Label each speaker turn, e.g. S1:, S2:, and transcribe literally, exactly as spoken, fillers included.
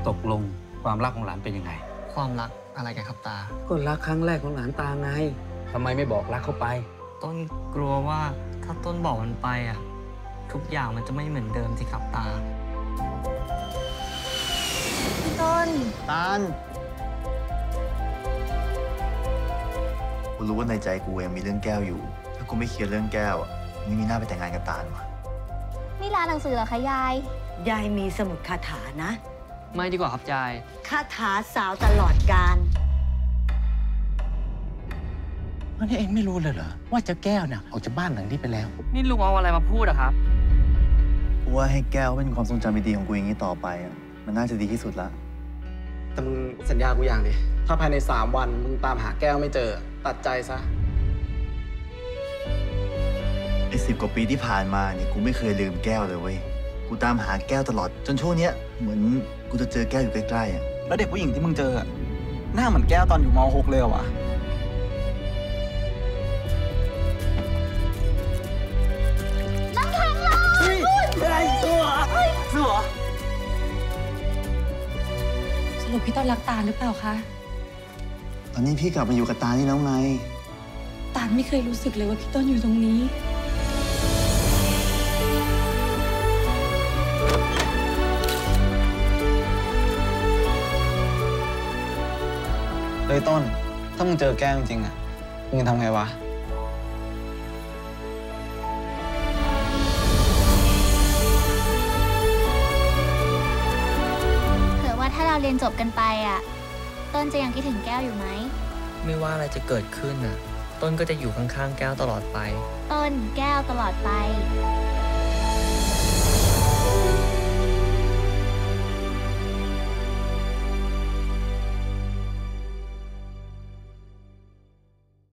S1: ตกลงความรักของหลานเป็นยังไง
S2: ความรักอะไรกันครับตา
S1: ก็รักครั้งแรกของหลานตาไงทำไมไม่บอกรักเขาไป
S2: ต้นกลัวว่าถ้าต้นบอกมันไปอ่ะทุกอย่างมันจะไม่เหมือนเดิมสิครับตา
S3: พี่ต้น
S4: ตาลกูรู้ว่าในใจกูยังมีเรื่องแก้วอยู่ถ้ากูไม่เคลียร์เรื่องแก้วอ่ะไม่มีหน้าไปแต่งงานกับตาลวะ
S3: นี่ร้านหนังสือเหรอคะยาย
S5: ยายมีสมุดคาถานะ
S2: ไม่ดีกว่าครับยาย
S5: คาถาสาวตลอดกาล
S6: วันนี้เองไม่รู้เลยเหรอว่าเจ้าแก้วเนี่ยออกจากบ้านหลังนี้ไปแล้ว
S2: นี่ลุงเอาอะไรมาพูดอะครับ
S4: กูว่าให้แก้วเป็นความทรงจำดีๆของกูอย่างนี้ต่อไปอ่ะมันน่าจะดีที่สุดละ
S7: แต่มึงสัญญากูอย่างดิถ้าภายในสามวันมึงตามหาแก้วไม่เจอตัดใจซะ
S4: ไอ้สิบกว่าปีที่ผ่านมาเนี่ยกูไม่เคยลืมแก้วเลยเว้ยกูตามหาแก้วตลอดจนช่วงเนี้ยเหมือนกูจะเจอแก้วอยู่ใกล้ๆอ่ะ
S8: แล้วเด็กผู้หญิงที่มึงเจอหน้าเหมือนแก้วตอนอยู่ม หกเลยเหรอวะ
S3: น้ำแข็งร้อน
S8: ไม่ได้สู้เหรอสู้เหรอ
S9: สรุปพี่ต้นรักตาลหรือเปล่าคะ
S4: ตอนนี้พี่กลับมาอยู่กับตานี่แล้วไง
S9: ตาลไม่เคยรู้สึกเลยว่าพี่ต้นอยู่ตรงนี้
S8: เฮ้ยต้นถ้ามึงเจอแก้วจริงๆอ่ะมึงจะทำไงวะ
S3: เผื่อว่าถ้าเราเรียนจบกันไปอ่ะต้นจะยังคิดถึงแก้วอยู่ไหม
S2: ไม่ว่าอะไรจะเกิดขึ้นน่ะต้นก็จะอยู่ข้างๆแก้วตลอดไป
S3: ต้นแก้วตลอดไป